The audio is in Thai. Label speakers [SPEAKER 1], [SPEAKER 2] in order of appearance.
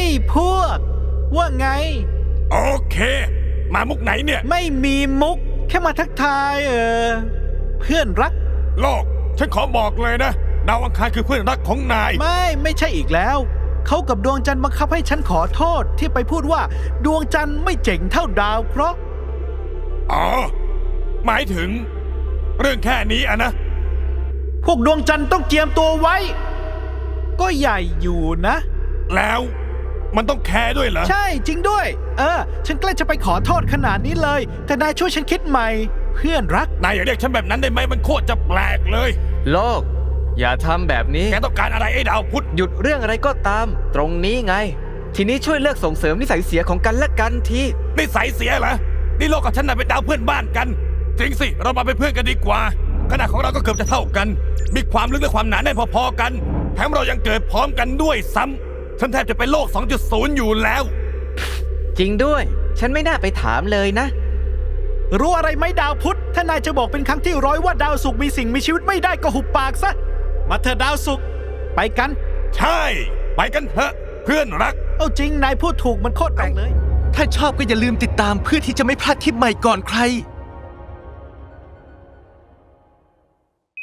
[SPEAKER 1] นี่พวกว่าไง
[SPEAKER 2] โอเคมามุกไหนเนี่ย
[SPEAKER 1] ไม่มีมุกแค่มาทักทายเพื่อนรัก
[SPEAKER 2] โลกฉันขอบอกเลยนะดาวอังคารคือเพื่อนรักของนาย
[SPEAKER 1] ไม่ใช่อีกแล้วเขากับดวงจันทร์บังคับให้ฉันขอโทษที่ไปพูดว่าดวงจันทร์ไม่เจ๋งเท่าดาวเพราะ
[SPEAKER 2] อ๋อหมายถึงเรื่องแค่นี้อะนะ
[SPEAKER 1] พวกดวงจันทร์ต้องเจียมตัวไว้ก็ใหญ่อยู่นะ
[SPEAKER 2] แล้วมันต้องแคร์ด้วยเหรอ
[SPEAKER 1] ใช่จริงด้วยฉันใกล้จะไปขอโทษขนาดนี้เลยแต่นายช่วยฉันคิดใหม่เพื่อนรัก
[SPEAKER 2] นายอย่าเรียกฉันแบบนั้นได้ไหมมันโคตรจะแปลกเลย
[SPEAKER 3] โลกอย่าทำแบบนี้
[SPEAKER 2] แกต้องการอะไรไอ้ดาวพุธ
[SPEAKER 3] หยุดเรื่องอะไรก็ตามตรงนี้ไงทีนี้ช่วยเลิกส่งเสริมนิสัยเสียของกันและกันที
[SPEAKER 2] นิสัยเสียเหรอนี่โลกกับฉันน่ะเป็นดาวเพื่อนบ้านกันจริงสิเรามาเป็นเพื่อนกันดีกว่าขนาดของเราก็เกือบจะเท่ากันมีความลึกและความหนาแน่นพอๆกันแถมเรายังเกิดพร้อมกันด้วยซ้ำฉันแทบจะเป็นโลก 2.0 อยู่แล้ว
[SPEAKER 3] จริงด้วยฉันไม่น่าไปถามเลยนะ
[SPEAKER 1] รู้อะไรไหมดาวพุธถ้านายจะบอกเป็นครั้งที่100ว่าดาวศุกร์มีสิ่งมีชีวิตไม่ได้ก็หุบปากซะมาเถอะดาวศุกร์ไปกัน
[SPEAKER 2] ใช่ไปกันเถอะเพื่อนรัก
[SPEAKER 1] เอาจริงนายพูดถูกมันโคตรแปลกเลย
[SPEAKER 4] ถ้าชอบก็อย่าลืมติดตามเพื่อที่จะไม่พลาดคลิปใหม่ก่อนใคร